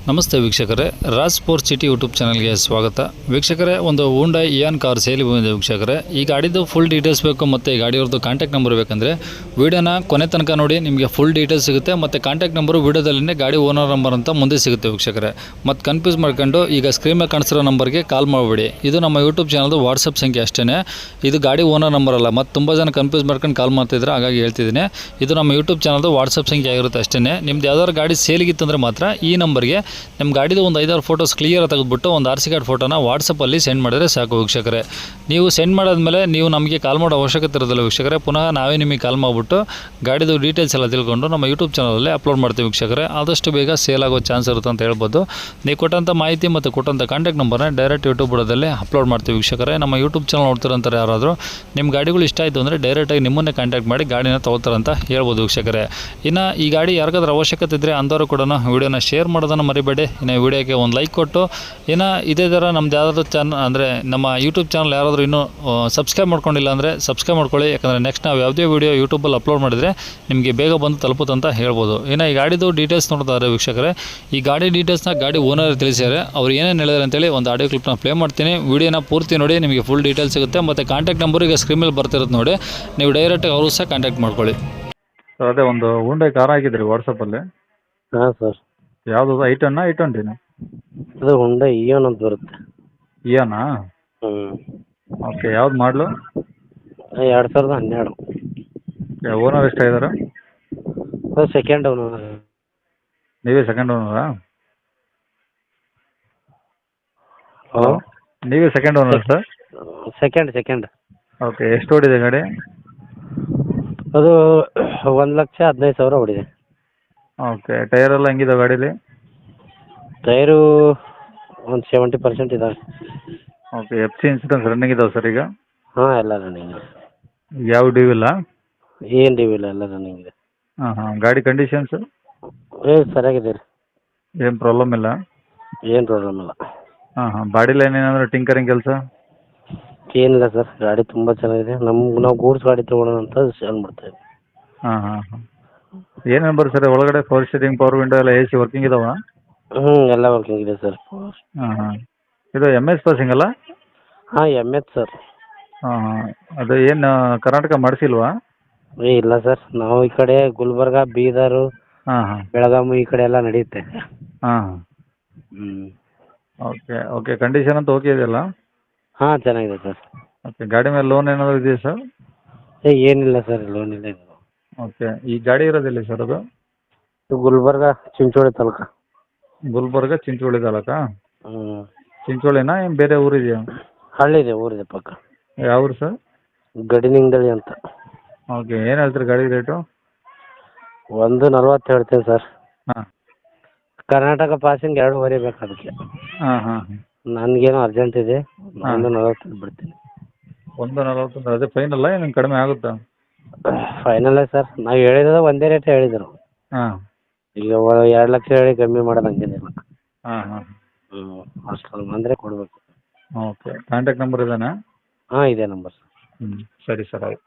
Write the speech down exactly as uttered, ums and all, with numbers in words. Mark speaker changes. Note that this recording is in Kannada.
Speaker 1: ನಮಸ್ತೆ ವೀಕ್ಷಕರೇ, ರಾಜ್ ಸ್ಪೋರ್ಟ್ಸ್ ಸಿಟಿ ಯೂಟ್ಯೂಬ್ ಚಾನಲ್ಗೆ ಸ್ವಾಗತ. ವೀಕ್ಷಕರೇ, ಒಂದು ಹೋಂಡಾ ಇಯಾನ್ ಕಾರ್ ಸೇಲಿ ಬಂದಿದೆ ವೀಕ್ಷಕರೇ. ಈ ಗಾಡಿದು ಫುಲ್ ಡೀಟೇಲ್ಸ್ ಬೇಕು ಮತ್ತು ಈ ಗಾಡಿಯವ್ರದ್ದು ಕಾಂಟ್ಯಾಕ್ಟ್ ನಂಬರ್ ಬೇಕಂದರೆ ವೀಡಿಯೋನ ಕೊನೆ ತನಕ ನೋಡಿ, ನಿಮಗೆ ಫುಲ್ ಡೀಟೇಲ್ಸ್ ಸಿಗುತ್ತೆ. ಮತ್ತು ಕಾಂಟ್ಯಾಕ್ಟ್ ನಂಬರು ವೀಡಿಯೋದಲ್ಲೇ ಗಾಡಿ ಓನರ್ ನಂಬರ್ ಅಂತ ಮುಂದೆ ಸಿಗುತ್ತೆ ವೀಕ್ಷಕರೇ. ಮತ್ತು ಕನ್ಫ್ಯೂಸ್ ಮಾಡ್ಕೊಂಡು ಈಗ ಸ್ಕ್ರೀನ್ ಮೇಲೆ ಕಾಣಿಸಿರೋ ನಂಬರ್ಗೆ ಕಾಲ್ ಮಾಡಬೇಡಿ. ಇದು ನಮ್ಮ ಯೂಟ್ಯೂಬ್ ಚಾನಲ್ದು ವಾಟ್ಸಪ್ ಸಂಖ್ಯೆ ಅಷ್ಟೇ, ಇದು ಗಾಡಿ ಓನರ್ ನಂಬರ್ ಅಲ್ಲ. ಮತ್ತು ತುಂಬ ಜನ ಕನ್ಫ್ಯೂಸ್ ಮಾಡ್ಕೊಂಡು ಕಾಲ್ ಮಾಡ್ತಿದ್ರೆ, ಹಾಗಾಗಿ ಹೇಳ್ತಿದ್ದೀನಿ. ಇದು ನಮ್ಮ ಯೂಟ್ಯೂಬ್ ಚಾನಲ್ದು ವಾಟ್ಸಪ್ ಸಂಖ್ಯೆ ಆಗಿರುತ್ತೆ ಅಷ್ಟೇ. ನಿಮ್ದು ಯಾವ್ದಾದ್ರು ಗಾಡಿ ಸೇಲಿಗಿತ್ತಂದರೆ ಮಾತ್ರ ಈ ನಂಬರ್ಗೆ ನಿಮ್ಮ ಗಾಡಿದು ಒಂದು ಐದಾರು ಫೋಟೋಸ್ ಕ್ಲಿಯರ್ ತೆಗೆದುಬಿಟ್ಟು ಒಂದು ಆರ್ ಸಿ ಕಾರ್ಡ್ ಫೋಟೋನ ವಾಟ್ಸಪ್ಪಲ್ಲಿ ಸೆಂಡ್ ಮಾಡಿದ್ರೆ ಸಾಕು ವೀಕ್ಷಕರೇ. ನೀವು ಸೆಂಡ್ ಮಾಡಾದ್ಮೇಲೆ ನೀವು ನಮಗೆ ಕಾಲ್ ಮಾಡೋ ಅವಶ್ಯಕತೆ ಇರೋದಿಲ್ಲ ವೀಕ್ಷಕರೇ. ಪುನಃ ನಾವೇ ನಿಮಗೆ ಕಾಲ್ ಮಾಡಿಬಿಟ್ಟು ಗಾಡಿದು ಡೀಟೇಲ್ಸ್ ಎಲ್ಲ ತಿಳ್ಕೊಂಡು ನಮ್ಮ ಯೂಟ್ಯೂಬ್ ಚಾನಲಲ್ಲಿ ಅಪ್ಲೋಡ್ ಮಾಡ್ತೀವಿ ವೀಕ್ಷಕರೇ. ಆದಷ್ಟು ಬೇಗ ಸೇಲ್ ಆಗೋ ಚಾನ್ಸ್ ಇರುತ್ತೆ ಅಂತ ಹೇಳ್ಬೋದು. ನೀವು ಕೊಟ್ಟಂಥ ಮಾಹಿತಿ ಮತ್ತು ಕೊಟ್ಟಂಥ ಕಾಂಟ್ಯಾಕ್ಟ್ ನಂಬರ್ನ ಡೈರೆಕ್ಟ್ ಯೂಟ್ಯೂಬ್ ಬುಡದಲ್ಲಿ ಅಪ್ಲೋಡ್ ಮಾಡ್ತೀವಿ ವೀಕ್ಷಕರೇ. ನಮ್ಮ ಯೂಟ್ಯೂಬ್ ಚಾನಲ್ ನೋಡ್ತಿರೋಂಥವ್ರು ಯಾರಾದರೂ ನಿಮ್ಮ ಗಾಡಿಗಳು ಇಷ್ಟ ಆಯಿತು ಅಂದರೆ ಡೈರೆಕ್ಟಾಗಿ ನಿಮ್ಮನ್ನೇ ಕಾಂಟ್ಯಾಕ್ಟ್ ಮಾಡಿ ಗಾಡಿನ ತೊಗೊಳ್ತಾರಂತ ಹೇಳ್ಬೋದು ವೀಕ್ಷಕರೇ. ಇನ್ನು ಈ ಗಾಡಿ ಯಾರಿಗಾದ್ರೂ ಅವಶ್ಯಕತೆ ಇದ್ದರೆ ಅಂಥವ್ರು ಕೂಡ ವೀಡಿಯೋನ ಶೇರ್ ಮಾಡೋದನ್ನು ಮರಿಬೇಡಿ. ಇನ್ನು ವಿಡಿಯೋಗೆ ಒಂದು ಲೈಕ್ ಕೊಟ್ಟು, ಇನ್ನು ಇದೇ ಥರ ನಮ್ದು ಯಾರಾದರೂ ಚಾನಲ್ ಅಂದರೆ ನಮ್ಮ ಯೂಟ್ಯೂಬ್ ಚಾನಲ್ ಯಾರಾದರೂ ಇನ್ನೂ ಸಬ್ಸ್ಕ್ರೈಬ್ ಮಾಡ್ಕೊಂಡಿಲ್ಲ ಅಂದರೆ ಸಬ್ಸ್ಕ್ರೈಬ್ ಮಾಡ್ಕೊಳ್ಳಿ. ಯಾಕಂದರೆ ನೆಕ್ಸ್ಟ್ ನಾವು ಯಾವುದೇ ವೀಡಿಯೋ ಯೂಟ್ಯೂಬಲ್ಲಿ ಅಪ್ಲೋಡ್ ಮಾಡಿದರೆ ನಿಮಗೆ ಬೇಗ ಬಂದು ತಲುಪುತ್ತಂತ ಹೇಳ್ಬೋದು. ಇನ್ನು ಈ ಗಾಡಿದು ಡೀಟೇಲ್ಸ್ ನೋಡ್ತಾರೆ ವೀಕ್ಷಕರೇ. ಈ ಗಾಡಿ ಡೀಟೇಲ್ಸ್ನ ಗಾಡಿ ಓನರ್ ತಿಳಿಸಿದ್ದಾರೆ. ಅವ್ರು ಏನೇನು ಹೇಳಿದಾರೆ ಅಂತೇಳಿ ಒಂದು ಆಡಿಯೋ ಕ್ಲಿಪ್ನ ಪ್ಲೇ ಮಾಡ್ತೀನಿ. ವೀಡಿಯೋನ ಪೂರ್ತಿ ನೋಡಿ, ನಿಮಗೆ ಫುಲ್ ಡೀಟೇಲ್ಸ್ ಸಿಗುತ್ತೆ. ಮತ್ತು ಕಾಂಟ್ಯಾಕ್ಟ್ ನಂಬರ್ ಈಗ ಸ್ಕ್ರೀನ್ ಮೇಲೆ ಬರ್ತಿರುತ್ತೆ ನೋಡಿ, ನೀವು ಡೈರೆಕ್ಟಾಗಿ ಅವರು ಸಹ ಕಾಂಟ್ಯಾಕ್ಟ್ ಮಾಡ್ಕೊಳ್ಳಿ.
Speaker 2: ಸರ್ ಅದೇ ಒಂದು ಹೋಂಡಾ ಕಾರ್ ಹಾಕಿದ್ರಿ ವಾಟ್ಸಪ್ಪಲ್ಲಿ.
Speaker 1: ಹಾಂ ಸರ್.
Speaker 2: ಯಾವುದು ಐ ಟೆನ್ ಐ ಟ್ವೆಂಟಿನ?
Speaker 1: ಅದು ಹೋಂಡಾ ಇಯಾನ್ ಅಂತ ಬರುತ್ತೆ.
Speaker 2: ಇಯಾನಾ?
Speaker 1: ಹ್ಞೂ.
Speaker 2: ಓಕೆ, ಯಾವ್ದು ಮಾಡಲು?
Speaker 1: ಎರಡು ಸಾವಿರದ ಹನ್ನೆರಡು.
Speaker 2: ಓನರ್ ಎಷ್ಟಾಗಿದ್ದಾರೆ?
Speaker 1: ಅದು ಸೆಕೆಂಡ್ ಓನರ್.
Speaker 2: ನೀವೇ ಸೆಕೆಂಡ್ ಓನರಾ?
Speaker 1: ಹಲೋ,
Speaker 2: ನೀವೇ second owner sir?
Speaker 1: Second second.
Speaker 2: Okay, ಎಷ್ಟು ಓಡಿದೆ ಗಾಡಿ?
Speaker 1: ಅದು ಒಂದು ಲಕ್ಷ ಹದಿನೈದು ಸಾವಿರ ಹೊಡಿದೆ.
Speaker 2: ಓಕೆ, ಟೈರ್ ಎಲ್ಲ ಹೆಂಗಿದೆ ಗಾಡೀಲಿ?
Speaker 1: ಟೈರು ಒಂದು ಸೆವೆಂಟಿ ಪರ್ಸೆಂಟ್ ಇದಾವೆ.
Speaker 2: Okay, F C insurance running ಇದಾವೆ ಸರ್ ಈಗ?
Speaker 1: ಹಾಂ, ಎಲ್ಲ ರನ್ನಿಂಗ್ ಇದೆ.
Speaker 2: ಯಾವ ಡ್ಯೂ ಇಲ್ಲ?
Speaker 1: ಏನು ಡ್ಯೂ ಇಲ್ಲ, ಎಲ್ಲ ರನ್ನಿಂಗ್ ಇದೆ.
Speaker 2: ಹಾಂ ಹಾಂ. ಗಾಡಿ ಕಂಡೀಷನ್ಸು?
Speaker 1: ಏ ಸರಿಯಾಗಿದೆ ರೀ,
Speaker 2: ಏನು ಪ್ರಾಬ್ಲಮ್ ಇಲ್ಲ?
Speaker 1: ಏನು ಪ್ರಾಬ್ಲಮ್ ಇಲ್ಲ.
Speaker 2: ಹಾಂ ಹಾಂ. ಬಾಡಿ ಲೈನ್ ಏನಾದರೂ ಟಿಂಕರಿಂಗ್ ಕೆಲಸ?
Speaker 1: ಏನಿಲ್ಲ ಸರ್, ಗಾಡಿ ತುಂಬ ಚೆನ್ನಾಗಿದೆ. ನಮ್ಗೆ ನಾವು ಗೂಡ್ಸ್ ಗಾಡಿ ತೊಗೊಳೋಣ ಅಂತ ಸೇಲ್ ಮಾಡ್ತಾಯಿದ್ವಿ.
Speaker 2: ಹಾಂ ಹಾಂ ಹಾಂ. ಏನೇನು ಬರುತ್ತೆ ಸರ್ ಒಳಗಡೆ? ಪವರ್ ಸ್ಟೀರಿಂಗ್, ಪವರ್ ವಿಂಡೋ ಎಲ್ಲ ಎ ಸಿ ವರ್ಕಿಂಗ್ ಇದಾವ?
Speaker 1: ಹ್ಞೂ, ಎಲ್ಲ ವರ್ಕಿಂಗ್ ಇದೆ ಸರ್.
Speaker 2: ಹಾಂ ಹಾಂ. ಇದು ಎಮ್ ಎಸ್ ಪಾಸಿಂಗ್ ಅಲ್ಲ?
Speaker 1: ಹಾಂ, ಎಮ್ ಎಚ್ ಸರ್.
Speaker 2: ಹಾಂ ಹಾಂ. ಅದು ಏನು ಕರ್ನಾಟಕ ಮಾಡಿಸಿಲ್ವಾ?
Speaker 1: ಏ ಇಲ್ಲ ಸರ್, ನಾವು ಈ ಕಡೆ ಗುಲ್ಬರ್ಗ, ಬೀದರು,
Speaker 2: ಹಾಂ ಹಾಂ.
Speaker 1: ಬೆಳಗಾವಿ ಈ ಕಡೆ ಎಲ್ಲ ನಡೆಯುತ್ತೆ.
Speaker 2: ಹಾಂ.
Speaker 1: ಹ್ಞೂ.
Speaker 2: Okay okay. ಕಂಡೀಷನ್ ಅಂತ ಓಕೆ ಇದೆಯಲ್ಲ?
Speaker 1: ಹಾಂ, ಚೆನ್ನಾಗಿದೆ ಸರ್.
Speaker 2: ಓಕೆ. ಗಾಡಿ ಮೇಲೆ ಲೋನ್ ಏನಾದರೂ ಇದೆಯಾ ಸರ್?
Speaker 1: ಏ ಏನಿಲ್ಲ ಸರ್, ಲೋನ್ ಇಲ್ಲ ಇದು.
Speaker 2: ಓಕೆ. ಈ ಗಾಡಿ ಇರೋದಿಲ್ಲ ಸರ್ ಅದು?
Speaker 1: ಇದು ಗುಲ್ಬರ್ಗ, ಚಿಂಚೋಳಿ ತಾಲೂಕು.
Speaker 2: ಗುಲ್ಬರ್ಗ, ಚಿಂಚೋಳಿ ತಾಲೂಕಾ?
Speaker 1: ಹ್ಞೂ.
Speaker 2: ಚಿಂಚೋಳಿನಾ ಏನು ಬೇರೆ ಊರಿದೆಯಾ?
Speaker 1: ಹಳ್ಳಿ ಇದೆ, ಊರಿದೆ ಪಕ್ಕ.
Speaker 2: ಯಾವ ಊರು ಸರ್?
Speaker 1: ಗಡಿನಿಂಗದಳ್ಳಿ ಅಂತ.
Speaker 2: ಓಕೆ. ಏನು ಹೇಳ್ತೀರಿ ಗಾಡಿ ರೇಟು?
Speaker 1: ಒಂದು ನಲ್ವತ್ತು ಹೇಳ್ತೀನಿ ಸರ್.
Speaker 2: ಹಾಂ.
Speaker 1: ಕರ್ನಾಟಕ ಪಾಸಿಂಗ್ ಎರಡೂವರೆ ಬೇಕು ಅದಕ್ಕೆ.
Speaker 2: ಹಾಂ ಹಾಂ.
Speaker 1: ನನಗೇನು ಅರ್ಜೆಂಟ್ ಇದೆ, ಒಂದು ನಲ್ವತ್ತು ಬಿಡ್ತೀನಿ.
Speaker 2: ಒಂದು ನಲ್ವತ್ತು ಅದೇ ಫೈನಲ್ಲ, ಏನು ಕಡಿಮೆ ಆಗುತ್ತಾ?
Speaker 1: ಫೈನಲ್ಲೇ ಸರ್, ನಾವು ಹೇಳಿದ್ರೆ ಒಂದೇ ರೇಟ್ ಹೇಳಿದರು.
Speaker 2: ಹಾಂ.
Speaker 1: ಈಗ ಎರಡು ಲಕ್ಷ ಹೇಳಿ ಕಮ್ಮಿ ಮಾಡೋದು ಹಂಗೇನಿಲ್ಲ.
Speaker 2: ಹಾಂ ಹಾಂ.
Speaker 1: ಹ್ಞೂ, ಅಷ್ಟು ಬಂದರೆ ಕೊಡಬೇಕು.
Speaker 2: ಓಕೆ. ಕಾಂಟ್ಯಾಕ್ಟ್ ನಂಬರ್ ಇದೇನಾ?
Speaker 1: ಹಾಂ, ಇದೇ ನಂಬರ್ ಸರ್.
Speaker 2: ಹ್ಞೂ, ಸರಿ ಸರ್, ಆಯ್ತು.